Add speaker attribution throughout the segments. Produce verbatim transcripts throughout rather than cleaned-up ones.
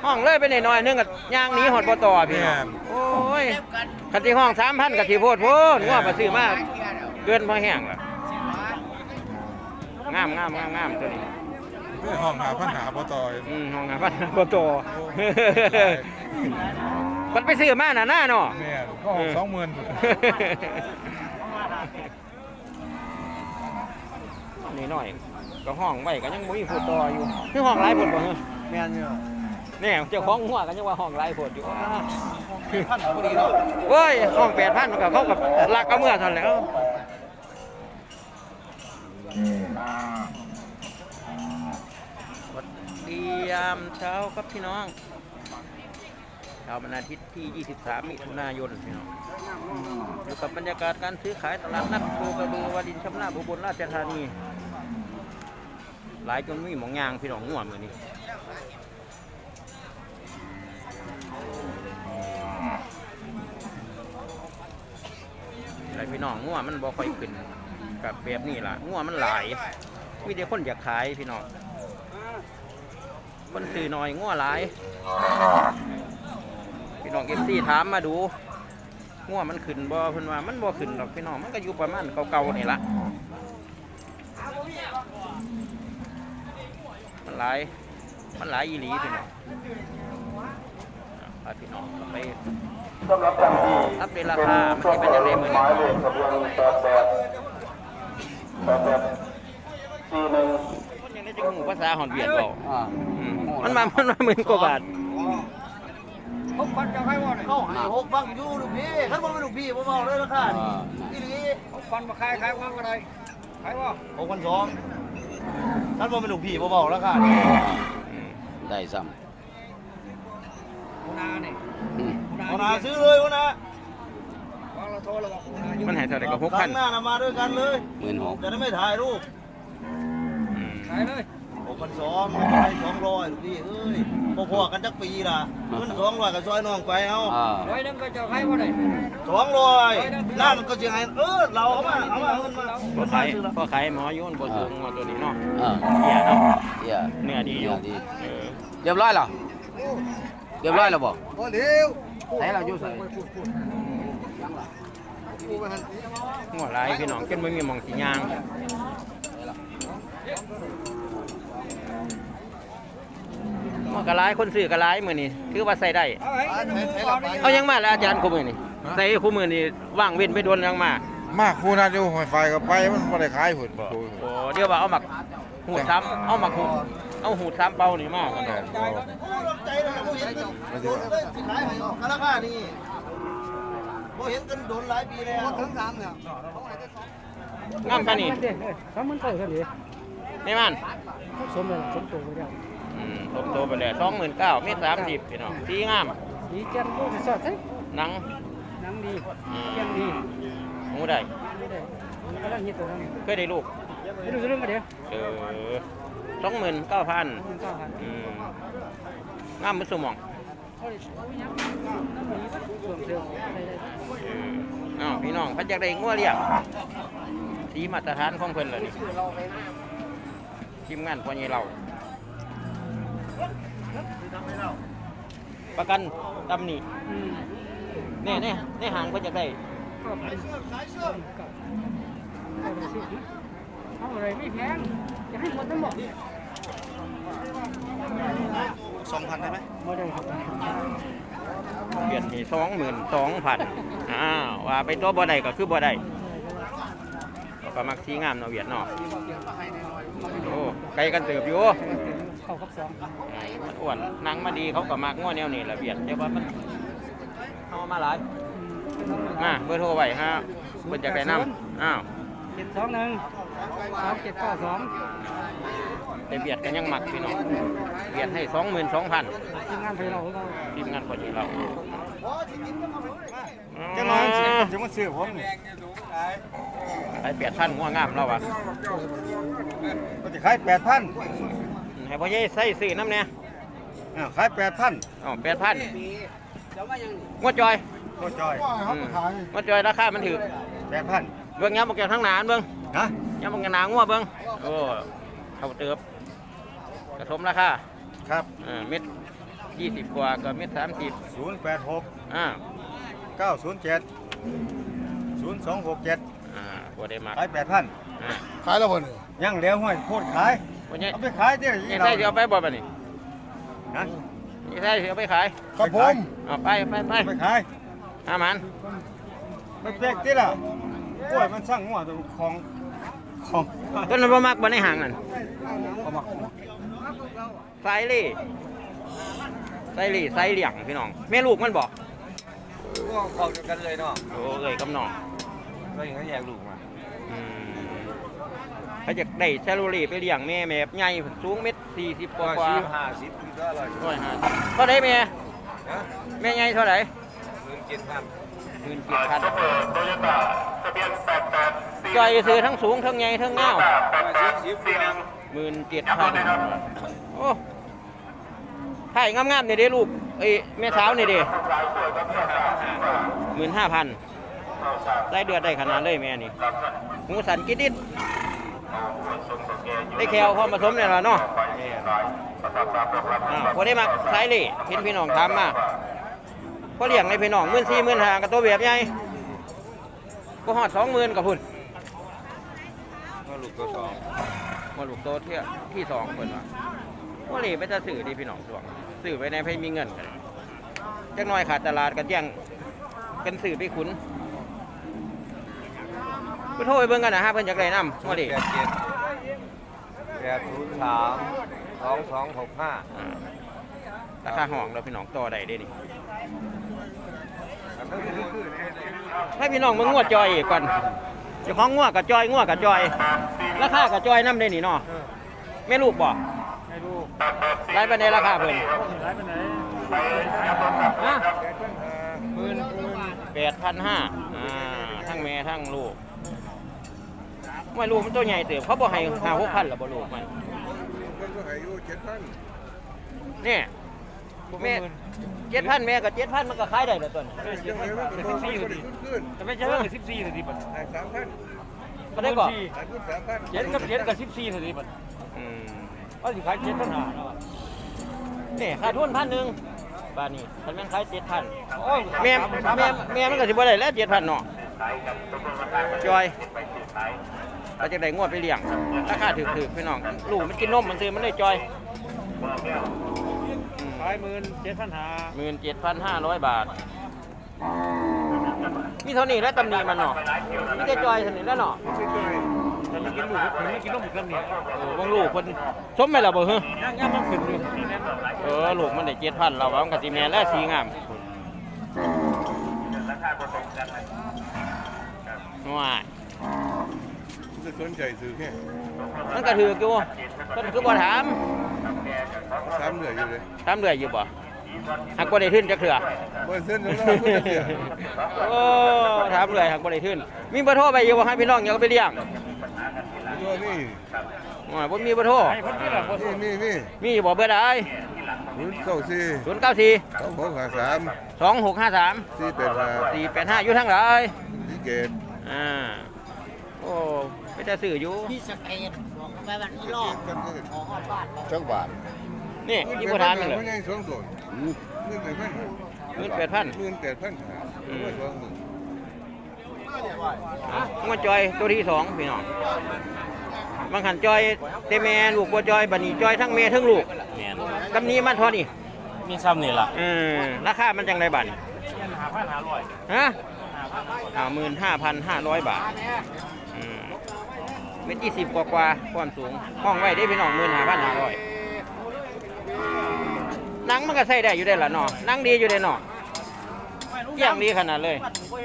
Speaker 1: ห้องเลยไปหน่อยๆนึงกับย่างหนี้หอดบ่ต่อพี่น้องโอ้ยคันที่ห้องสามพันกับที่โพดโพดงัวมาซื้อมาเกินพอแห้งล่ะงามงามงามงามตัวนี้
Speaker 2: คือห้องหาพันหาบ่ต่อย
Speaker 1: อืมห้องหาพันบ่ต่อมันไปซื้อมาหน้าหน้าเนาะ
Speaker 2: แม่ก็ห้องสองหมื่น
Speaker 1: นี่หน่อยก็ห้องไว้ก็ยังบ่มีผู้ต่ออยู่คือห้องหลายพุ่นบ่เฮ้อ
Speaker 3: แม่นอยู่
Speaker 1: เนี่ยเจ้าของหัวก็ยังว่าห้องหลายพุ่นอยู่
Speaker 3: พันพอดีเนาะ
Speaker 1: โอ้ยห้องแปดพันมันก็เขากับลักเอาเมื่อเท่านั้นแหล้วสวัสดียามเช้าครับพี่น้องเช้าวันอาทิตย์ที่ยี่สิบสามมิถุนายนพี่น้องอยู่กับบรรยากาศการซื้อขายตลาดนัดโคกระบือวารินชำนาบอุบลราชธานีหลายจนมีหมองยางพี่น้องง่วงมือนี้หลายพี่น้องง่วงมันบ่ค่อยขึ้นกับแบบนี้ล่ะง่วงมันหลายมีแต่คนอยากขายพี่น้องคนซื้อหน่อยง่วงหลายพี่น้องเอฟซีถามมาดูง่วงมันขึ้นบ่เพิ่นว่ามันบ่ขึ้นหรอกพี่น้องมันก็อยู่ประมาณเก่าๆนี่ละมันหลายมันหลายอีหลีพี่น้องพาพี่น้องไปอัปเดตราคามันจะเป็นยังไงมื้อนี้คนยังได้จังหูภาษาฮอนเวียดบ่มันมามันมาหมื่นกว่าบาท
Speaker 3: หกพันจะให้บ่เนี่ยเขาให้หกพันอยู่ลูกพี่ท่านบ่เป็นลูกพี่บ่เมาเลยราคาอีหลีหกพันมาขายขายว่าอะไรขายว่าหกพันสองท่านบ่เป็นลูกพี่บ่เมาราคา
Speaker 4: ได้ซ้ำ
Speaker 3: หัวหน้านี่หัวหน้าซื้อเลยหัวหน้าเราโทรแล้วบอกหัวหน้าอยู่
Speaker 1: มันให้เท่าไหร่ก็หกพัน
Speaker 3: หน้ามาด้วยกันเลย
Speaker 4: หมื่นหก
Speaker 3: จะได้ไม่ถ่ายรูปขายเลยหกพันสองให้สองร้อยลูกพี่เอ้ยพอๆกันจักปีล่ะเงินสองร้อยก็ซอยน้องไปเอา
Speaker 5: ร้อยนึงก็จะให้ว่าได้
Speaker 3: สองร้อยนั่นก็จะให้เออเราเอามาเอามาเงินมา
Speaker 1: พอขายพอขายหมอยุ่นบ่สูงหมอตัวนี้เนาะ
Speaker 4: อ่า
Speaker 1: เหี้ยเนาะ
Speaker 4: เดี๋ยว
Speaker 1: เนื้อดีอยู่
Speaker 4: เนื้อดี
Speaker 1: เออ
Speaker 4: เรียบร้อยแล้วเรียบร้อยแล้วบ่
Speaker 3: โอ้เร็ว
Speaker 4: ใส่เราอยู่ใส่
Speaker 1: หัวหลายพี่น้องจนบ่มีหม่องสิย่างมันก็หลายคนซื้อก็หลายมื้อนี้ถือว่าใส่ได้
Speaker 5: เอาให้น้ำมือก่อนนี่
Speaker 1: เอายังมาแล้วอาจารย์คู่มื้อนี้ใส่คู่มื้อนี้ว่างเว้นไปโดนยังมา
Speaker 2: มากคู่นั้นอยู่หอยไฟก็ไปมันบ่ได้ขายพุ่น
Speaker 1: บ่โอ้เดี๋ยวว่าเอาหมักหูดซ้ำเอาหมักหูดเอาหูดซ้ำเป่านี่มากันเนาะ
Speaker 3: ใจเลยบ่เห็นกันโดนเลยสิขายให้กันราคานี่บ่เห็นกันโดนหลายปีแล้วถึงสามเนี่ย
Speaker 1: งามปานนี้
Speaker 5: สามหมื่นเก้าเท่าไหร่
Speaker 1: นี่มัน
Speaker 5: สมเลยสมตัวไปแล้ว
Speaker 1: อืมสมโตไปแล้วสองหมื่นเก้าเมตรสามสิบพี่น้องสีงาม
Speaker 5: ดีแก่นโลดสอดใช่
Speaker 1: หนัง
Speaker 5: นังดีแก่นดี
Speaker 1: หมูได้
Speaker 5: ไม่ได้มันกำลังฮิตตัวนั้น
Speaker 1: เคยได้ลูก
Speaker 5: ไปดูเรื่องกันเดี๋ยว
Speaker 1: เออสองหมื่นเก้าพัน
Speaker 5: หมื่นเก้าพัน
Speaker 1: อืมงามมือสมอง
Speaker 5: เขาเลยเอาอย่างน้ำมันเพิ่มเติมอะไรได้
Speaker 1: เอออ้าวพี่น้องพันจากได้งัวเรียกสีมาตรฐานของเพิ่นเลยนี่ทีมงานพอใหญ่เราประกันตำหนิ
Speaker 5: อืม
Speaker 1: แน่แน่ในห่างเพิ่นจากได้
Speaker 5: ก็เป็นกับเอาไปซื้อเอาอะไรไม่แพงจะให้หมดทั้งหมด
Speaker 3: สองพันได้ไหม
Speaker 5: ไม่ได้ครับ
Speaker 1: เปลี่ยนที่สองหมื่นสองพันอ้าวว่าไปตัวบ่ได้ก็คือบ่ได้ก็มักสีงามเนาะเวียดเนาะโอ้ไกลกันเติบอยู่
Speaker 5: เข้าครับสอง
Speaker 1: มันอ้วนนางมาดีเขาก็มักง้อแนวนี้แหละเวียดแต่ว่ามันเอามาหลายมาเบอร์โทรไว้ฮะเพิ่นจะแนะนำอ้าว
Speaker 5: เจ็ดสองหนึ่งสามเจ็ดเก้าสอง
Speaker 1: แต่เวียดก็ยังมักพี่น้องเวียดให้สองหมื่นสองพัน
Speaker 5: ทีมงานไปเราเรา
Speaker 1: ทีมงานพอดีเรา
Speaker 2: จังหวะสิจะมาซื้อผม
Speaker 1: ขายแปดพันง้องามเราอ่ะ
Speaker 2: ก็จะขายแปดพัน
Speaker 1: ให้พ่อใหญ่ใส่ซื้อน้ำเนี่ย
Speaker 2: อ่าขายแปดพัน
Speaker 1: อ๋อแปดพันงวดจอย
Speaker 2: โคจอย
Speaker 1: อืมงวดจอยราคามันถือ
Speaker 2: แปดพัน
Speaker 1: เบื้องย้ำบอกแกทั้งหนานเบื้อง
Speaker 2: ฮะ
Speaker 1: ย้ำบอกแกหนางัวเบื้องโอ้เขาเติบกระสมราคา
Speaker 2: ครับ
Speaker 1: เออเม็ดยี่สิบกว่ากับเมตรสามสิบ
Speaker 2: ศูนย์แปดหก
Speaker 1: อ่า
Speaker 2: เก้าศูนย์เจ็ดศูนย์สองหกเจ็ด
Speaker 1: อ่าบ่ได้มาก
Speaker 2: ขายแปดพัน
Speaker 1: อ่า
Speaker 3: ขายแล้วบ่นี่
Speaker 2: ยังเหลือห้วยโคตรขาย
Speaker 1: วันนี้
Speaker 2: เอาไปขายเดี๋ยว
Speaker 1: นี่ใช่สิเอาไปบ่บัดนี้
Speaker 2: นะ
Speaker 1: นี่ใช่สิเอาไปขาย
Speaker 3: ครับผม
Speaker 1: เอาไปไปไป
Speaker 2: เอาไปขาย
Speaker 1: อามัน
Speaker 2: มันเป๊กติล่ะกล้วยมันสร้างหัวตัวของของ
Speaker 1: ต้นนั้นบ่มักบ่ในห่างนั่น
Speaker 3: เอามา
Speaker 1: ไซลี่ไซลี่ไซเหลี่ยงพี่น้องแม่ลูกมันบอก
Speaker 3: ก็เข้ากันเลยเนาะ
Speaker 1: โอ้เอ้ยกับน้อง
Speaker 3: ก็อย่างนั้นแยกลูกมา
Speaker 1: อืมเขาจะได้แซลูรี่ไปเลี้ยงแม่แม่ใหญ่สูงเม็ดสี่สิบกว่ากว่า
Speaker 3: ห้าสิบก็เลย
Speaker 1: ร้อยห้าสิบเท่าไหร่แม่
Speaker 3: นะ
Speaker 1: แม่ใหญ่เท่าไหร่
Speaker 3: เงินเจ็ดพัน
Speaker 1: หมื่นเจ็ดพันจอยซื้อทั้งสูงทั้งใหญ่ทั้งเงา
Speaker 3: สี่สิบเดือน
Speaker 1: หมื่นเจ็ดพันโอ้ถ่ายงามๆเนี่ยเด้ลูกเอ้ยแม่สาวเนี่ยเด้หมื่นห้าพันได้เดือดได้ขนาดเลยแม่นี่หมูสันกิดดิดได้แควพอผสมเนี่ยละเนาะอ่าพอได้มาใช้เลยเห็นพี่น้องทำมาพอเลี้ยงในพี่น้องหมื่นสี่หมื่นห้ากับตัวแบบใหญ่ก็หอดสองหมื่นกับพุ่น
Speaker 3: ก็ลูกตัวสอง
Speaker 1: มาลูกโตเที่ยที่สองเพิ่นว่าว่าเลยไปจะสื่อดีพี่น้องส่วงสื่อไปในให้มีเงินกันจักหน่อยขาดตลาดกันแย่งกันสื่อไปขุนไปโทรไปเบิ่งกันนะฮะเพิ่นอยากได้นำว่าดิ
Speaker 3: แปดเจ็ดแปดศูนย์สามสองสองหกห้า
Speaker 1: อ่าราคาห้องเราพี่น้องต่อได้เด้นี่ให้พี่น้องมึงงวดจอยอีกก่อนเจ้าของงวดกับจอยงวดกับจอยราคากับจอยนำได้นี่เนาะแม่ลูกบ่
Speaker 5: ให้ดู
Speaker 1: ไล่ไปในราคาเพิ่น
Speaker 5: ร้ายไปไหน
Speaker 1: ฮะ
Speaker 5: หมื่นหมื่น
Speaker 1: แปดพันห้าอ่าทั้งแม่ทั้งลูกไม่ลูกมันตัวใหญ่เติบเขาบอกให้ห้าหกพันหรอบ่ลูกมัน
Speaker 3: มันก็อายุเจ็ดพัน
Speaker 1: เนี่ยแม่เจ็ดพันแม่กับเจ็ดพันมันก็ขายได้แล้วตัวนี้
Speaker 3: ยังไงมันก็ต้องขึ้นขึ้น
Speaker 5: แต่ไม่ใช่ว่าสิบสี่นาทีบัด
Speaker 3: ขายสามพัน
Speaker 1: ก็ได้ก่อน
Speaker 3: ขายขึ้นสามพัน
Speaker 5: เจ็ดกับเจ็ดกับสิบสี่นาทีบัด
Speaker 1: อืม
Speaker 5: ว่าสิขายเจ็ดปัญหาเนาะ
Speaker 1: นี่ขาดทุนพันหนึ่งบาทนี้คันแม่นขายเจ็ดพัน
Speaker 5: โอ้ย
Speaker 1: แม่แม่แม่มันก็สิบ่ได้แล้วเจ็ดพันเนาะจอยเราจะได้งวดไปเลี้ยงราคาถูกๆพี่น้องลูกมันกินนมมันซื้อมันได้จอย
Speaker 5: ขายหมื่นเจ็ดพันหา
Speaker 1: หมื่นเจ็ดพันห้าร้อยบาท มีเท่านี้แล้วตำหนิมันเนาะมีแต่จอยเท่านี้แล้วเนาะ
Speaker 5: แต่ไม่กินลูกผมไม่กินนมอีกแล้วเนี่ย
Speaker 1: เออบางลูกคนสมไหมล่ะบ่เฮ้ย
Speaker 5: ย่างย่างมันขึ้นอยู่
Speaker 1: เออลูกมันได้เจ็ดพันเราว่ามันกะสิแม่นแล้วสีงามว้าย
Speaker 3: จะสนใจซื้อแค่
Speaker 1: มันก็ถืออยู่เพิ่นคือบ่ถาม
Speaker 3: สามเหลืออยู่เลย
Speaker 1: ถามเรื่อยอยู่บ่หักบ่ได้ทื่นจักเทื่อ
Speaker 3: เบอร์เส้นแล้วก็จะเสีย
Speaker 1: โอ้ถามเรื่อยหักบ่ได้ทื่นมีเบอร์โทรไปอยู่บ่ให้พี่น้องอยากเอาไปเลี้ยง
Speaker 3: ตัวนี้
Speaker 1: ว้ายบ่มีเบอร์โทร
Speaker 5: ให้คนที่ละคน
Speaker 3: นี่นี่นี่
Speaker 1: มีบ่เบอร์ใด
Speaker 3: ศูนย์เก้าสี่
Speaker 1: ศูนย์เก้าสี่
Speaker 3: สองหกห้าสาม
Speaker 1: สองหกห้าสาม
Speaker 3: สี่แปดห้า
Speaker 1: สี่แปดห้าอยู่ทางไหน
Speaker 3: สี่เกต
Speaker 1: อ่า โอ้ไปจะสื่ออยู่
Speaker 6: ที่สเปนบอกไปวันนี้รอบขอฮอดบ้าน
Speaker 3: จังบาท
Speaker 1: นี่ยี่ปัวทานมันเลย
Speaker 3: ไม่ใช่สองส่วนเงินแปดพัน
Speaker 1: เงินแปดพัน
Speaker 3: เงินแปดพันไม่สองหมื่น
Speaker 1: งวดจอยตัวที่สองพี่น้องบางขันจอยเตแมนลูกบัวจอยบันนี้จอยทั้งเมทั้งลูกกำนี้มันเท่านี้
Speaker 5: มีซ้ำนี่ล่ะ
Speaker 1: เออราคามันจังไรบัน
Speaker 5: หาพันหาร้อย
Speaker 1: ฮะอ่าหมื่นห้าพันห้าร้อยบาทอืมเม็ดยี่สิบกว่ากว่าความสูงห้องไว้ได้พี่น้องหมื่นห้าพันห้าร้อยนังมันก็ใส่ได้อยู่ได้ละเนาะนังดีอยู่ได้เนาะเยี่ยงดีขนาดเลย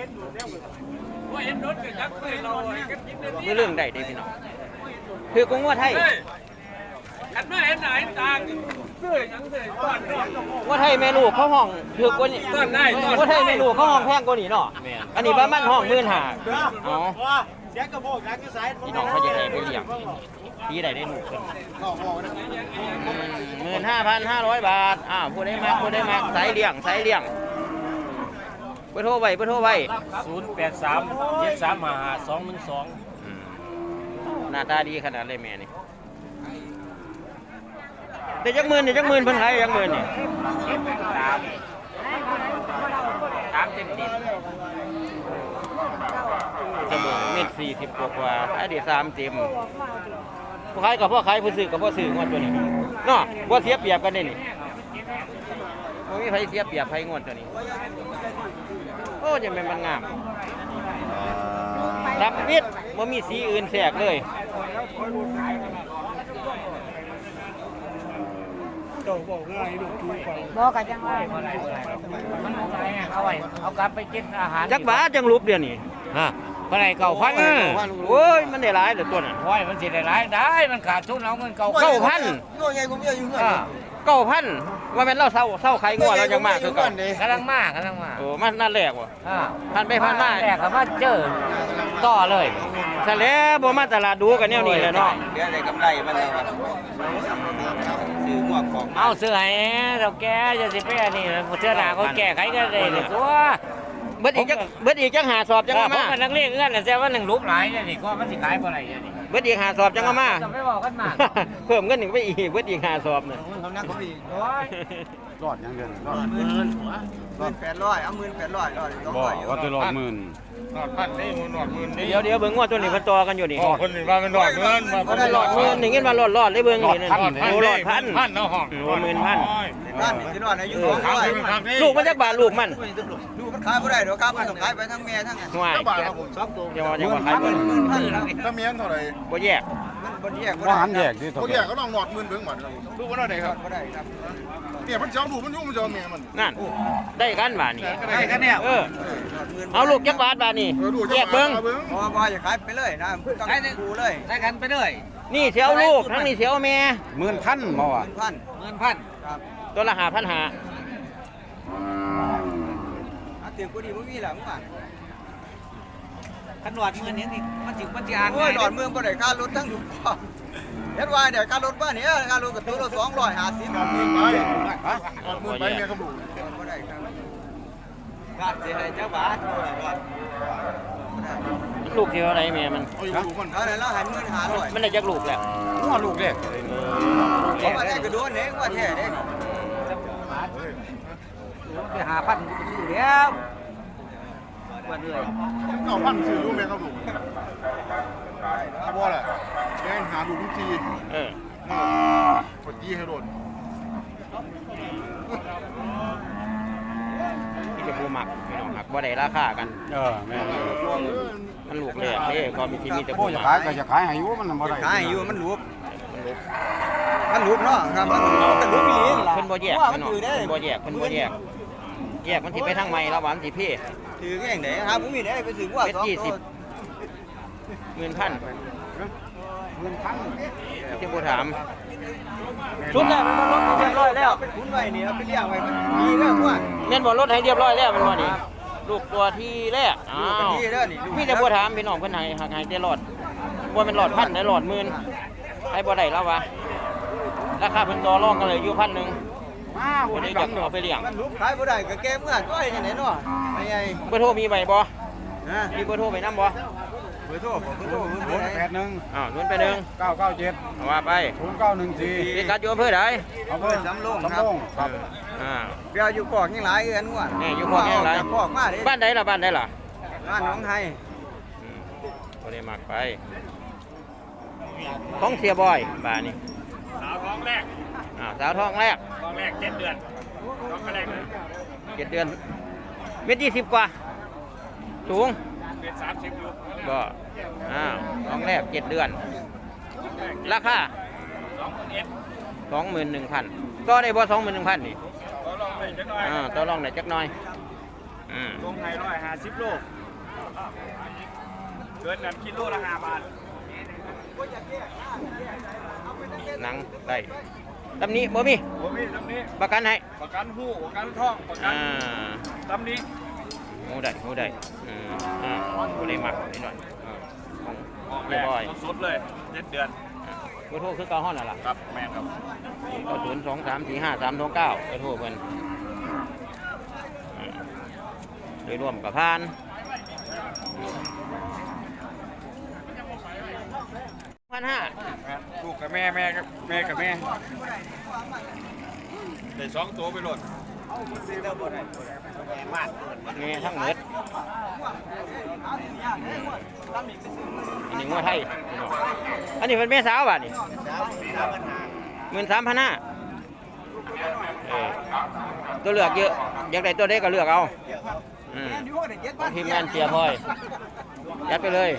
Speaker 1: คือเรื่องใดดีพี่น้องคือกงว่าไทย
Speaker 5: ขันมาเห็นไหนต่างเสื้อยังเสื้อก้อนก้อน
Speaker 1: ว่าไทยแม่ลูกเขาห้องถือกว่านี้
Speaker 5: ต้นได้ต้นได้
Speaker 1: ว่าไทยแม่ลูกเขาห้องแพงกว่านี้เนาะอันนี้บ้านมันห้องหมื่นห้าอ๋อ
Speaker 6: เสียกระโปงกันก็สาย
Speaker 1: พี่น้องเขาจะได้ไปเลี้ยงที่ใดได้หนูขึ้นหมื่นห้าพันห้าร้อยบาทอ้าวผู้ได้มาผู้ได้มาสายเลี้ยงสายเลี้ยงไปโทรไว้ไปโทรไว้
Speaker 5: ศูนย์แปดสามเจ็ดสามห้าสองหนึ่งสอง
Speaker 1: หน้าตาดีขนาดเลยแม่นี่ได้จักหมื่นได้จักหมื่นเพิ่นขายจักหมื่นนี่สามสามเต็มติดจะเบิ่งเม็ดสี่สิบกว่ากว่าขายได้สามเต็มผู้ขายกับผู้ขายผู้ซื้อกับผู้ซื้องวดตัวนี้เนาะบ่เสียเปรียบกันได้นี่บ่มีไผเสียเปรียบไผงวดตัวนี้โอ้ยังแม่นมันงามรับมิดบ่มีสีอื่นแทรกเลย
Speaker 5: บอกกันจังว่ามันเอาไว้เอากลับไปกินอาหาร
Speaker 1: จักบาทจังรูปเดี๋ยวนี้
Speaker 5: ฮะเมื่อไรเก่าพัน
Speaker 1: โอ้ยมันได้หลายเหลือตัวน่ะ
Speaker 5: โอ้ยมันสิได้หลายได้มันขาดทุนเอาเงินเก่า
Speaker 1: เก้าพัน
Speaker 3: โง่ใหญ่กว่าเมียอยู่เงิน
Speaker 1: เก้าพันว่าแม่นเราเศร้าเศร้าใครงัวเรายังมากคือเก่าก
Speaker 5: ำลังมากกำลังมา
Speaker 1: โอ้มันนั่นแรกว่ะ
Speaker 5: อ่า
Speaker 1: พันไปพันมา
Speaker 5: แรกครับว่าเจอต่อเลย
Speaker 1: ซะแล้วบ่มาตลาดดูกันแนวนี้แหละเนาะ
Speaker 3: เดี๋ยวได้กำไรมันแล้วครับซื้อหมวกของ
Speaker 5: เอาเสื้อให้เราแกจะสิไปอันนี้เสื้อหนาเขาแก้ไขก็ได้เลยตัว
Speaker 1: เบิดอีกจักเบิดอีกจังหาสอบจัง
Speaker 5: ผ
Speaker 1: เอา
Speaker 5: ม
Speaker 1: มา
Speaker 5: เป็นนักเรียนเอื้อนแต่ว่าหนึ่งรูปหลายนี่ก็มันสิขายเท่าไหร่นี่
Speaker 1: เบิดอีกหาสอบจังเอามา
Speaker 5: จะไม่บอกกันมา
Speaker 1: เพิ่มเงินหนึ่งไปอีกเบิดอีกหาสอบน่ะ
Speaker 3: เขานั่งเขาอีก
Speaker 5: โอ้ย
Speaker 4: รอดยังเดือนรอด
Speaker 3: หมื่นหมื่นแปดร้อยเอาหมื่นแปดร้อยร้อยสอง
Speaker 4: บ่
Speaker 3: ร้อย
Speaker 4: ว่าจะรอดหมื่น
Speaker 2: หนอดพันนี่หนอดหมื่นนี่
Speaker 1: เดี๋ยวเดี๋ยวเบิ่งว่าตัวนี้เพิ่นต่อกันอยู่นี่
Speaker 2: อ๋อคนนี้ว่าเป็นหนอดเงิน
Speaker 1: บ่ได้หลอดหมื่นนี่เงินว่าหลอดหลอดเลยเบิ่งนี่นั่นโอ้หลอดพัน
Speaker 2: พันเนาะห้อง
Speaker 1: โอ้หมื่นพัน
Speaker 3: บ้านนี่ที่นอนอายุสองร้อย
Speaker 1: ลูกมันจักบาทลูกมัน
Speaker 3: ดูมันขายไม่ได้หรอกครับมันต้องขายไปทั้งแม่ทั้ง
Speaker 1: ห่วย
Speaker 2: บาทครับผมสองตัว
Speaker 1: อย่าว่าอย่าว่าขายเบิ่ง
Speaker 3: หมื่นพันครับ
Speaker 2: ถ้าเมียนเท่าไหร่
Speaker 1: บ่แยก
Speaker 3: มันบนแยก
Speaker 4: ว่าหันแยกดิ
Speaker 2: เขาแยกก็ต้องหนอดหมื่นเบิ่งหมดครับดูว่าเท่าไหร่ครับ
Speaker 3: ก็ได้ครับ
Speaker 2: เนี่ยมันเจ้าดูมันยุ่งมันเจ้าเมียมัน
Speaker 1: นั่นได้กันบาทนี่
Speaker 2: ได้กันเนี่ย
Speaker 1: เออเอาลูกจักบาทบาทนี่แยกเบิ่ง
Speaker 3: พอพออย่าขายไปเลยนะต้องดูเลย
Speaker 5: ได้กันไปเลย
Speaker 1: นี่เสียวลูกทั้งนี้เสียวแม่
Speaker 4: หมื่นพันบ่วะ
Speaker 3: พัน
Speaker 5: เงินพัน
Speaker 3: ครับ
Speaker 1: ตัวละห้าพันห้า
Speaker 3: อาเตียงกูดีไม่มีหลังว่ะ
Speaker 5: ขนวดเงินนี้นี่มันจิมันจิอ่าน
Speaker 3: โอ้ยหลอดเมืองก็ได้ค่ารถทั้งอยู่พ่อเฮ็ดว่าเดี๋ยวค่ารถบ้านนี้ค่ารถกับตัวละสองร้อยห้าสิบ
Speaker 2: หนอดหมื่นไปหนอดหมื่นไปเมียเขาบุก
Speaker 3: ก็ได้ครับบาทเสียให้เจ้าบาทก็ได้
Speaker 1: ลูกเสียวอะไรแม่มัน
Speaker 2: เอาอยู่ดูคน
Speaker 3: เอาไหนแล้วหันเงินหาหน่อย
Speaker 1: มันได้จักลูกแหละ
Speaker 4: หัวลูกเด้
Speaker 3: เขามาได้กระโดดเองว่าแท้เด้
Speaker 5: ไปหาพันอยู่แล้ววันเลย
Speaker 2: เอาพันซื้อลูกเมียเขาบุกบ่แหละแกงหาดูทุกที
Speaker 1: เออ
Speaker 2: กดยี่ให้โดน
Speaker 1: ที่จะบูมักพี่น้องหักบ่ได้ราคากัน
Speaker 4: เออแม่น
Speaker 1: มันลูกแรกเด้ก็มีที่มีแต่
Speaker 4: บ่
Speaker 1: บู
Speaker 4: จะ
Speaker 1: มั
Speaker 4: ขาย
Speaker 1: ก
Speaker 4: ก็จะขายให้อยู่มันบ่ได้
Speaker 3: ขายอยู่มันรูป
Speaker 1: มันลูก
Speaker 3: มันรูปเนาะครับมันมันรูปอีหลี
Speaker 1: เพิ่นบ่แยก
Speaker 3: ว่า
Speaker 1: พี่
Speaker 3: มัน
Speaker 1: น้อง
Speaker 3: ถือได้
Speaker 1: เพิ่นบ่แยกเพิ่นบ่แยกแยกมันสิไปทางใหม่แล้วหวานสิเพ่
Speaker 3: ถือแง่งไหนครับผมมีได้ไปถือว่า
Speaker 1: เม็ด
Speaker 3: สอง
Speaker 1: ยี่สิ
Speaker 3: ตั
Speaker 1: บ
Speaker 3: ว
Speaker 1: หมื่นพัน
Speaker 4: หมื่นพัน
Speaker 1: ที่บ่ถามชุดแล้วมันบ่ลดให้เรียบร้อยแล้ว
Speaker 3: ไปคุ้นไว้นี่เอาไปเลี้ยงไว้มันมีเรื่องว่า
Speaker 1: แม่นบ่ลดให้เรียบร้อยแล้วมันบ่นี่ลูกตัวที่แรกอ้า
Speaker 3: ลูกกัน
Speaker 1: ว
Speaker 3: ที่เด้อนี่ลูก
Speaker 1: มีแต่บ่ถามพี่น้องเพิ่นให้หักให้แต่หลอดบ่แม่นหลอดพันได้หลอดหมื่นให้บ่ได้แล้ววะราคาเพิ่นต่อรองกันเลยอยู่พันหนึง
Speaker 4: มา
Speaker 1: บ่
Speaker 4: บ่
Speaker 1: ได้
Speaker 4: ได้
Speaker 1: จะ
Speaker 4: กัน
Speaker 1: เอาไปเลี้ยง
Speaker 3: มันรูปขายบ่ได้ก็แก้เมื่อก้อยนี่ไหนเนาะไอ้ไง
Speaker 1: เบอร์โทรมีใบบ่
Speaker 3: ฮะ
Speaker 1: มีเบอร์โทรไปนำบ่
Speaker 3: เบอร์โทรผมเบอร์โทรเบอร์โทร
Speaker 4: ศูนย์
Speaker 3: ไหน
Speaker 4: แปดหนึ่ง
Speaker 1: อ้าวศูนย์ไปหนึ่ง
Speaker 4: เก้าเก้าเจ็ด
Speaker 1: เอาว่าไป
Speaker 4: ศูนย์เก้าหนึ่งสี่
Speaker 1: พี่กัดอยู่อำเภอใด
Speaker 4: อำเภอสำโรงสำโรงครับ
Speaker 1: อ่า
Speaker 3: เดี๋ยวอยู่กอกยังหลายเอื้อนว่ะ
Speaker 1: แม่อยู่กอกยังหลาย
Speaker 3: จากกอกมาเด้
Speaker 1: บ้านใดล่ะบ้านใดล่ะ
Speaker 3: บ้านหนองไทย
Speaker 1: อืมบ่ได้มักไปของเสียบอยบ้านนี้
Speaker 2: สาวท้องแรก
Speaker 1: อ่าสาวท้องแรก
Speaker 2: ท้องแรกเจ็ดเดือนท้องแรกเลย
Speaker 1: เจ็ดเดือนเม็ดยี่สิบกว่าสูง
Speaker 2: เป็นสามสิบอยู่
Speaker 1: ก็อ้าวท้องแรกเจ็ดเดือน ราคา
Speaker 2: สองเอ็ด
Speaker 1: สองหมื่นหนึ่งพันก็ได้บ่สองหมื่นหนึ่งพันนี่
Speaker 2: เขาลองไปจักหน่อย
Speaker 1: อ่าต่อรองได้จักหน่อยอืม
Speaker 2: ลงไทยร้อยห้าสิบโลเกินนั้นคิดโลละห้าบาท
Speaker 1: หนังได้ตำหนี้บ่มี
Speaker 2: ผมมีตำนี้
Speaker 1: ประกันให้
Speaker 2: ประกันหู้ประกันท่องประกั
Speaker 1: อ่าน
Speaker 2: ตำนี้
Speaker 1: หูได้หูได้อืมอ่าบ่ได้มักนิดหน่อยอ่าของ
Speaker 2: ออก
Speaker 1: เรียบร้อย
Speaker 2: สดเลยเจ็ดเดือน
Speaker 1: เบอร์โทรคือเก้าห้องน่ะล่ะ
Speaker 2: ครับแม่ครับ
Speaker 1: เก้าศูนย์สองสามสี่ห้าสามสองเก้าเบอร์โทรเพิ่นอืมโดยรวมกับพานพันห้า
Speaker 4: ลูกกับแม่แม่กับแม่กับแม่ได้สองตัวไปหล่น
Speaker 1: เงี้ยทั้งหมดอันนี้งัวไทยอันนี้เป็นแม่สาวป่ะนี่หมื่นสามพันห้าตัวเลือกเยอะอยากได้ตัวเด็กก็เลือกเอาอืมทีมงานเชียร์พลอยยัดไปเลย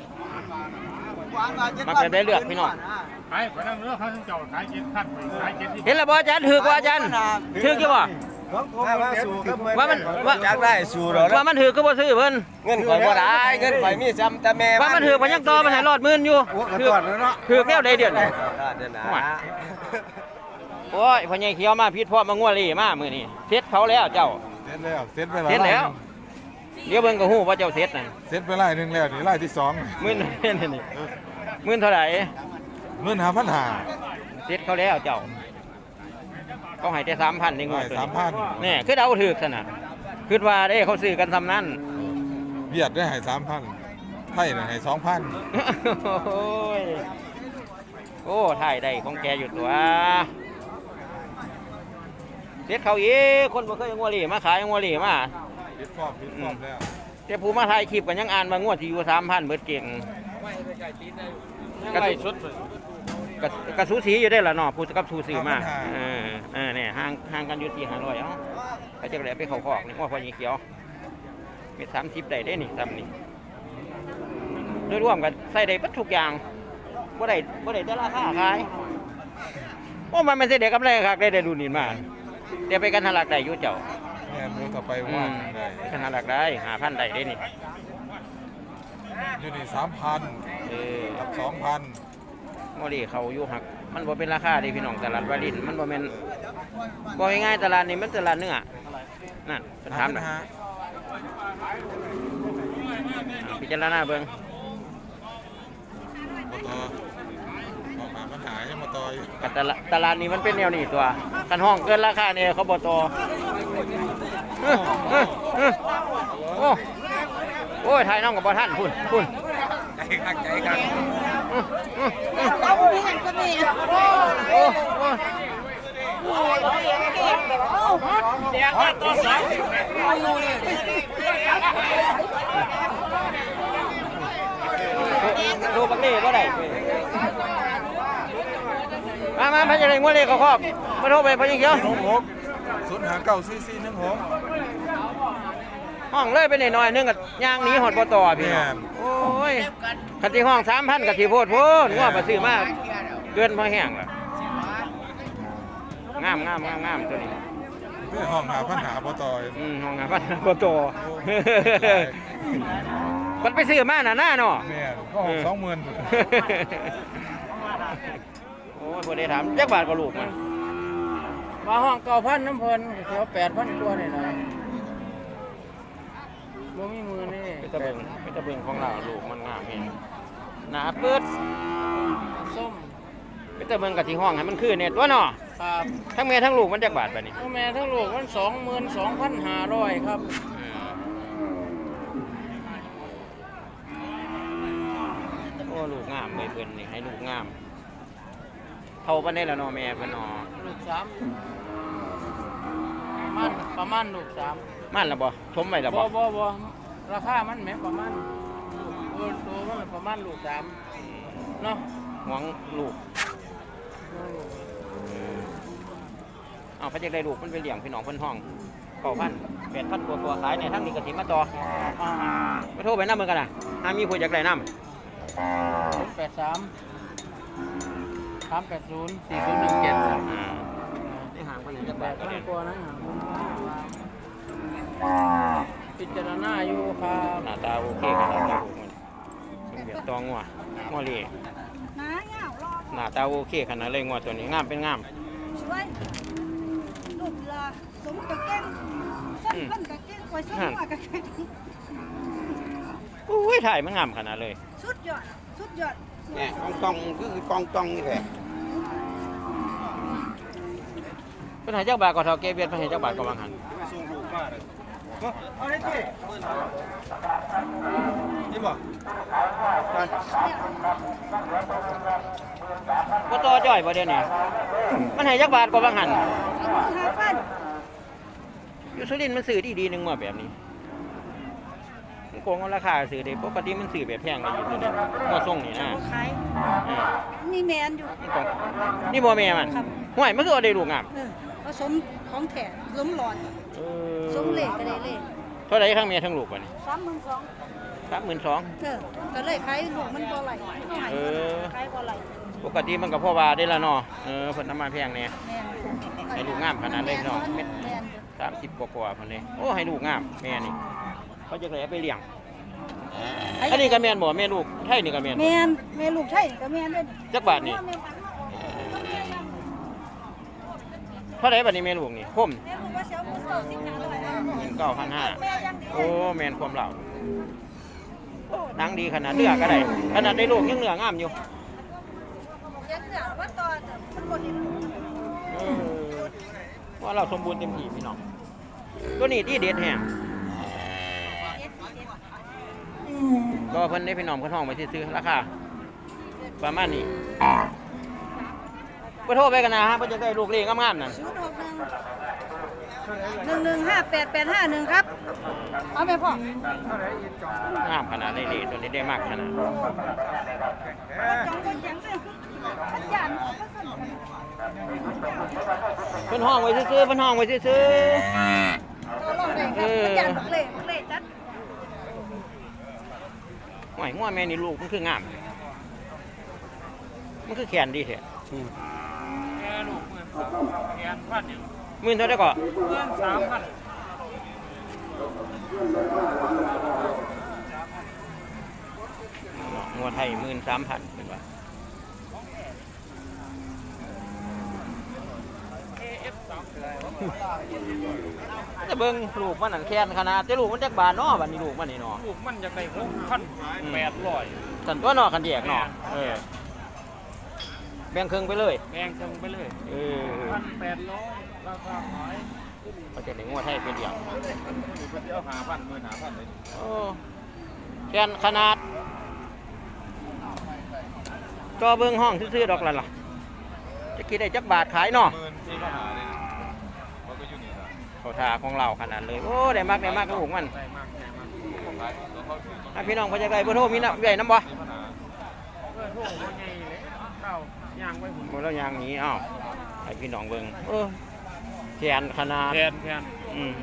Speaker 1: มาจะได้เลือกพี่น้อง
Speaker 2: ขายขายน้ำเนื้อข้าวเจ้าขายเจ็ดพันขายเจ็ดที่
Speaker 1: เห็นแล้วบ่อาจารย์ถือกว่าอาจารย์ถือกอยู่บ่
Speaker 2: ว่าสูครับ
Speaker 1: ว่ามันว่า
Speaker 3: อยากได้สู่เรา
Speaker 1: ว่ามันถือก็บ่ซื้อเพิ่น
Speaker 3: เงินข่อยบ่ได้เงินข่อยมีซ้ำแต่แม่
Speaker 1: ว่ามันถือมันยังต่อมันให้รอดหมื่นอยู่ถือถือแก้วใดเดือนนี่
Speaker 3: เดือนหนา
Speaker 1: โอ้ยพ่อใหญ่เขียวมาพิษพ่อมางัวเลยมามื้อนี้เสร็จเขาแล้วเจ้า
Speaker 4: เสร็จแล้วเสร็จไป
Speaker 1: เสร็จแล้วเดี๋ยวเบิ่งก็ฮู้ว่าเจ้าเสร็จนั่น
Speaker 4: เสร็จไปไล่หนึ่งแล้วนี่ไล่ที่สอง
Speaker 1: หมื่นนี่นี่หมื่นเท่าไหร่
Speaker 4: เงินหาพันหา
Speaker 1: เสร็จเขาแล้วเจ้าเขาให้แต่สามพันนี่งัวตัว
Speaker 4: สามพัน
Speaker 1: นี่คือเดาถูกซะน่ะคิดว่าเด้เขาซื้อกันทำนั้น
Speaker 4: เบียดได้ให้สามพันไทยน่ะให้สองพัน
Speaker 1: โอ้ยโอ้ถ่ายได้ของแกอยู่ตัวเด็ดเขาอีกคนบ่เคยเอางัวเหลี่มาขายเอางัวเหลี่มา
Speaker 4: ปิดฟอมปิดฟอมแล้ว
Speaker 1: แต่ผู้มาถ่ายคลิปกันยังอ่านมางวดที่อยู่สามพันเบิดเก่งกระสุกระกระสูสีอยู่ได้ละเนาะผู้กับสูสีมาเออเออเนี่ยห่างห่างกันอยู่ที่ห้าร้อยเอ้าเขาจะเลยไปเขาคอกนี่ว่าพอยีเขียวมีสามสิบได้ได้นี่ทำนี่โดยรวมกันใส่ได้ปัดทุกอย่างบ่ได้บ่ได้แต่ราคาขายโอ้มันไม่ใช่เด็กกำไรครับได้ได้ดูนี่มาเดี๋ยวไปกันทลักได้อยู่เจ้า
Speaker 4: แม่ดูต่อไป
Speaker 1: อื
Speaker 4: ว่าม ได้
Speaker 1: กันทลักได้หาพันได้ได้นี่
Speaker 4: อยู่นี่สามพัน
Speaker 1: เออ
Speaker 4: กับสองพัน
Speaker 1: โมดีเขาอยู่หักมันบ่เป็นราคาดิพี่น้องตลาดวารินมันบ่แม่นบ่ง่ายๆตลาดนี้มันตลาดเนื้อนั่นเป็นถามหน่อยพิจารณาเบิ่ง
Speaker 4: มาต่อออกมาปัญหายังมาต่ออยู่
Speaker 1: กับตลาดตลาดนี้มันเป็นแนวนี้ตัวคันห้องเกินราคาเนี่ยเขาบ่ต่อเออเออเออโอ้โอ้ยถ่ายน้องกับบ่ทันพุ่นพุ่น
Speaker 4: ใจคักใจคัก
Speaker 6: เราไม่เห็นก็มี
Speaker 1: โอ้โอ้
Speaker 5: เดี๋ยวต่อสอง
Speaker 1: ดูบักนี่บ่ได้มามาพะจะได้งวดเลขเขาครอบมาโทรไปพะยิงเขียว
Speaker 4: หกหกศูนย์หาเก้าสี่สี่หนึ่งหก
Speaker 1: ห้องเลยไปหน่อยๆนึงกับย่างหนีหอดบ่ต่อพี่น้องโอ้ยคันที่ห้องสามพันกับที่โพดโพดงวดมาซื้อมาเกินพอแห้งล่ะงามงามงามงามตัวนี้
Speaker 4: เพื่อห้องหาปัญหาบ่ต่ออยู่
Speaker 1: อืมห้องงามพันบ่ต่อมันไปซื้อมาหน้าหน้าเนาะ
Speaker 4: แม่ก็หกสองหมื่น
Speaker 1: โอ้ยพอได้ถามจักบาทก็ลูกมัน
Speaker 5: มาห้องเก้าพันน้ำเพลินเสียวแปดพันตัวนี่นะบ่มีมือนี่
Speaker 1: ไปตะเบิงไปตะเบิงของเราลูกมันงามเองหนาเปิด
Speaker 5: ส้ม
Speaker 1: ไปตะเบิงกับที่ห้องให้มันคือเนี่ยตัวเนาะ
Speaker 5: ครับ
Speaker 1: ทั้งแม่ทั้งลูกมันจักบาทไปนี่
Speaker 5: ทั้งแม่ทั้งลูกมันสองหมื่นสองพันห้าร้อยครับ
Speaker 1: โอ้ลูกงามเลยเพิ่นนี่ให้ลูกงามเท่าปานได้แล้วเนาะแม่เพิ่นเนาะ
Speaker 5: ลูกสามมันประมาณลูกสาม
Speaker 1: มันละบ่ชมไว้ละ
Speaker 5: บ่
Speaker 1: บ่
Speaker 5: บ่บ่ราคามันแหมประมาณตัวตัวมันประมาณลูกสามเนาะ
Speaker 1: หวงลูกเอาพระเจ้าได้ลูกมันไปเลี้ยงพี่น้องเพิ่นห้องเก้าพันแปดพันตัวตัวขายในทั้งนี้ก็สิมาต่อไปโทรไปนำเบิ่งกันน่ะหามีผู้อยากได้นำ
Speaker 5: แปดสามสามแปดศูนย์สี่ศูนย์หนึ่งเจ็ด
Speaker 1: อ่าได้ห่างไปไหนจัก
Speaker 5: แป
Speaker 1: บาท
Speaker 5: ด
Speaker 1: ก็
Speaker 5: พัน
Speaker 1: ได้
Speaker 5: กว่านะพิจารณาอยู่ครับ
Speaker 1: หน้าตาโอเคกันแล้วลูกมันเบียดตองงัวงัวเหล่
Speaker 6: น้าเหงารอ
Speaker 1: หน้าตาโอเคขนาดเลยงัวตัวนี้งามเป็นงาม
Speaker 6: ช่วยลูกละสมกับเก่งส้นเพิ่นกับเก่งคอยส้นหัวกับเก่ง
Speaker 1: อุ้ยถ่ายมันงามขนาดเลย
Speaker 6: สุดยอดสุดยอด
Speaker 3: เนี่ยกองตองคือกองตองนี่แหละ
Speaker 1: เป็นหายเจ้าบาทก็เท่าเกเบียดเป็นหายเจ้าบาทก็วางหัน
Speaker 2: ส่งลูกมาเลยเอาได้ที่นี่บ่
Speaker 1: บ่ต่อจ้อยบ่เดี๋ยวนี้มันให้จักบาทกว่าบางหัน
Speaker 6: หาฟัน
Speaker 1: อยู่สุรินทร์มันซื้อดีดีๆหนึงมาแบบนี้มันโกงเอาราคาซื้อได้ปกติมันซื้อแบบแพงเลยอยู่สุรินทร์บ่ส่งนี่นะ
Speaker 6: บ่ขาย
Speaker 1: เออ
Speaker 6: นี่แมนอยู่
Speaker 1: มันโกงนี่บ่แม่มันห่วยมันคือเอาได้ลูกงาม
Speaker 6: เออผสมของแถมผสมหลอด
Speaker 1: เออ
Speaker 6: สมเหล็กก็ได้เลย
Speaker 1: เท่าไหร่ทั้งแม่ทั้งลูกบัดนี้
Speaker 6: สามหมื่นสอง
Speaker 1: สามหมื่นสอง
Speaker 6: เออก็เลยขายลูกมันบ่ไหลขาย
Speaker 1: เออ
Speaker 6: ขายบ่ไหล
Speaker 1: ปกติมันก็พ่อว่าได้ละเนาะเออเพิ่นน้ำมันแพงแน่
Speaker 6: แม่น
Speaker 1: ให้ลูกงามขนาดเลยพี่น้องเม็ด
Speaker 6: แม่น
Speaker 1: สามสิบกว่าๆเพิ่นเลยโอ้ให้ลูกงามแม่นี่เขาจะเลยเอาไปเลี้ยงอันนี้ก็แม่นบ่แม่ลูกไทยนี่ก็แม่นบ่
Speaker 6: แม่นแม่ลูกไทยก็แม่นเด้อ
Speaker 1: จักบาทนี่เท่าไหร่บัดนี้แม่ลูกนี่คม
Speaker 6: แม่ลูกว่าเสียวหมูเก่าสิบห้าร้อยนะ
Speaker 1: หนึ่งเก้าพันห้า
Speaker 6: แม่ยังดี
Speaker 1: โอ้แม่นความเหล่าโอ้หนังดีขนาดเนื้อก็ได้ขนาดได้ลูกยังเนื้องามอยู่
Speaker 6: ยังเหลือว่าตอนมันบ่เห็น
Speaker 1: เออว่าเราสมบูรณ์เต็มที่พี่น้องตัวนี้ที่เด็ดแฮงก็เพิ่นได้พี่น้องเพิ่นห้องไปซื้อๆราคาประมาณนี้บ่โทรไปกันนะฮะเพิ่นจะได้ลูกเลี้ยงงามๆนั่น
Speaker 6: ศูนย์หกหนึ่งหนึ่งหนึ่งห้าแปดแปดห้าหนึ่งครับเอาไปพ่อง
Speaker 1: ามขนาดเล่ๆตัวนี้ได้มากขนาด
Speaker 6: จองคนยังเลยมันหยาดก็สนุก
Speaker 1: เพิ่นห้องไว้ซื้อๆเพิ่นห้องไว้ซื้อ
Speaker 6: ตัวลงเลยครับมันหยาดเล่เล่จัด
Speaker 1: ๆห่วยงัวแม่นี่ลูกมันคืองาม มันคือแขนดีแท้
Speaker 2: แกลูกหมื่นสามแกนพันเนี่ย
Speaker 1: หมื่นเท่าได้ก็
Speaker 2: หมื่นสามพัน
Speaker 1: งัวไทยหมื่นสามพันเป็นว่าจะเบิ่งลูกมันนั่นแค้นขนาดแต่ลูกมันจักบาทเนาะบัดนี้ลูกมันนี่เนาะ
Speaker 2: ลูกมันจะได้หกพันแปดร้อย
Speaker 1: สันตัวเนาะกันแยกเนาะเออแบ่งครึ่งไปเลย
Speaker 2: แพงจังไปเลย
Speaker 1: เออ
Speaker 2: พันแปดร้อยราคาขาย
Speaker 1: เขาจะได้งัวไทยเป็นอย่าง
Speaker 2: อยู่ก็เดียวหาพันหมื่นหาพันเลย
Speaker 1: โอ้แค้นขนาดจอเบิ่งห้องซื่อๆดอกละล่ะจะคิดได้จักบาทขายเนาะ
Speaker 4: หมื่นสี่พันห้าเลยมันก็อยู่นี่ละ
Speaker 1: เขาทาของเราขนาดเลยโอ้ได้มากได้มากลูกมัน
Speaker 2: ได้มากได้มาก
Speaker 4: ของร้านเขาซื้อ
Speaker 1: ถ้าพี่น้องเขาจะได้เบอร์โทรมีน้ำใหญ่น้ำบ่
Speaker 4: สี่พันห้า
Speaker 2: เพื่อโทษว่าไงเลยเข้าย่างไว้ผม
Speaker 1: หมดแล้วยางหนี้อ้าวให้พี่น้องเบิ่งเออแขนขนาด
Speaker 2: แทนแทน
Speaker 1: อืม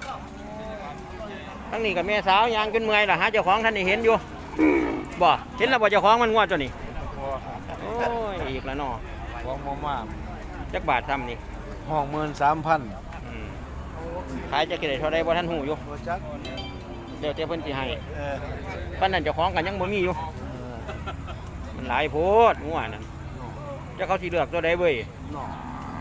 Speaker 1: ทั้งนี้กับแม่สาวยางจนเมื่อยล่ะหาเจ้าของท่านได้เห็นอยู่บ่เห็นแล้วบ่เจ้าของมันงวดตัวนี้โอ้ยอีกแล้วเนาะ
Speaker 3: ของมามาก
Speaker 1: จักบาทซ้ำนี่
Speaker 3: ห้องหมื่นสามพัน
Speaker 1: อืมขายจะกี่ได้เท่าใดบ่ทันหูอยู่
Speaker 3: โบจัก
Speaker 1: เดี๋ยวเจ้าเพิ่นสิให้
Speaker 3: เออ
Speaker 1: ปานนั้นเจ้าของกันยังบ่มีอยู่ มันหลายโพดงัวนั่นเจ้าเขาสิเลือกตัวใดเว้ย
Speaker 3: เนาะ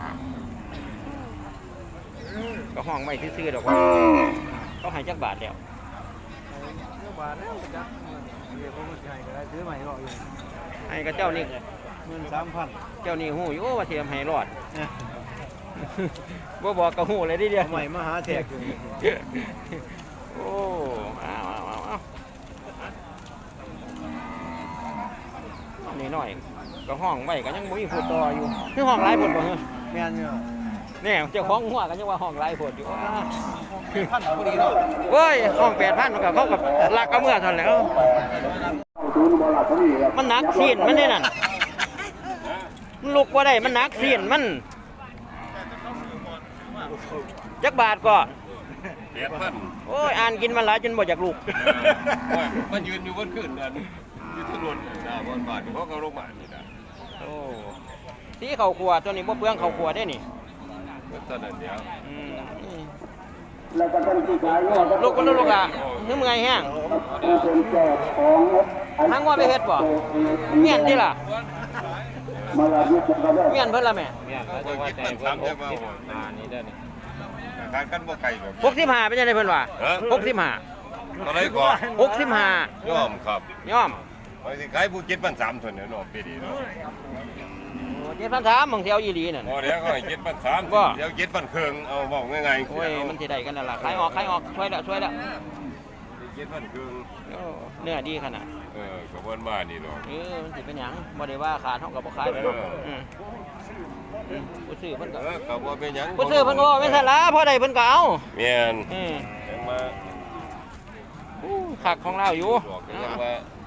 Speaker 1: ก็ห้องไว้ซื่อๆดอกว่าเขาให้จักบาทแล้ว
Speaker 3: เจ้าบาทแล้วจักเดี๋ยวผมจะให้ก็ได้ซื้อใหม่รออยู่
Speaker 1: ให้กับเจ้านี่
Speaker 3: หมื่นสามพัน
Speaker 1: เจ้านี่หูอยู่ว่าสิให้รอด บ่บอกก็หูเลยดิเดียว
Speaker 3: ใหม่มาหาแทกอยู่
Speaker 1: โอ้เอาเอาเอาเอานี่หน่อยก็ห้องไว้ก็ยังบ่มีผู้ต่ออยู่คือห้องหลายผลบ่เฮ้อ
Speaker 3: แม่นอยู่
Speaker 1: แน่เจ้าของหัวก็ยังว่าห้องหลายผลอยู่อ้า
Speaker 3: พันพอดีเนาะ
Speaker 1: เว้ยห้องแปดพันมันก็เขากับลักกับเมื่อเท่านั้นแหล้วมันหนักซีนมันนี่นั่นมันลุกบ่ได้มันหนักซีนมันจักบาทก็
Speaker 4: แปดพัน
Speaker 1: โอ้ยอ่านกินมันหลายจนบ่อยากลุก
Speaker 4: มันยืนอยู่บนขึ้นนั่นอยู่ถนนหน้าบนบ้านเขาก็ลงมานี่นะ
Speaker 1: โอ้สีข้าวขัวตัวนี้บ่เปลืองข้าวขัวได้นี่
Speaker 4: ตอนนั้นเดียว
Speaker 1: อืมลูกก็ลูกอ่ะนึกมึงไงแห้งทั้งว่าไปเฮ็ดบ่เมียนที่ล่ะเมียนเพิ่นละแม่
Speaker 4: เนี่ยเขาจะว่าแต่เพิ่นหกสิบห้านี่ได้นี่ทานกันบ่ไกลแบบ
Speaker 1: หกสิบห้าเป็นจังได๋เพิ่นว่าหกสิบห้า
Speaker 4: ตอนไหนก่อน
Speaker 1: หกสิบห้าย
Speaker 4: อมครับ
Speaker 1: ยอม
Speaker 4: ไปสิขายผู้เจ็ดพันสามเท่านั้นเนาะปีนี้เนาะ
Speaker 1: โอ้เจ็ดพันสามบางเที่ยวอีหลีนั่น
Speaker 4: พอเดี๋ยวก็ให้เจ็ดพันสาม
Speaker 1: ว่า
Speaker 4: เดี๋ยวเจ็ดพันครึ่งเอาบอกง่ายๆ
Speaker 1: โอ้ยมันสิได้กันนั่นล่ะขายออกขายออกช่วยแล้วช่วยแล้ว
Speaker 4: เจ็ดพันครึ่ง
Speaker 1: โอ้เนื้อดีขนาด
Speaker 4: เออกับวันบ้านนี่เนาะ
Speaker 1: เออมันสิเป็นหยังบ่ได้ว่าขาดเท่ากับบ่ขายไปเนาะอืมอืมผู้ซื้อเพิ่นก็
Speaker 4: เออกับว่าเป็นหยัง
Speaker 1: ผู้ซื้อเพิ่นก็บ่แม่นซั่นล่ะพอได้เพิ่นก็เอา
Speaker 4: แม่น
Speaker 1: อืม
Speaker 4: ยังมา
Speaker 1: อู้คักของเราอยู่
Speaker 4: บอกกันยังว่า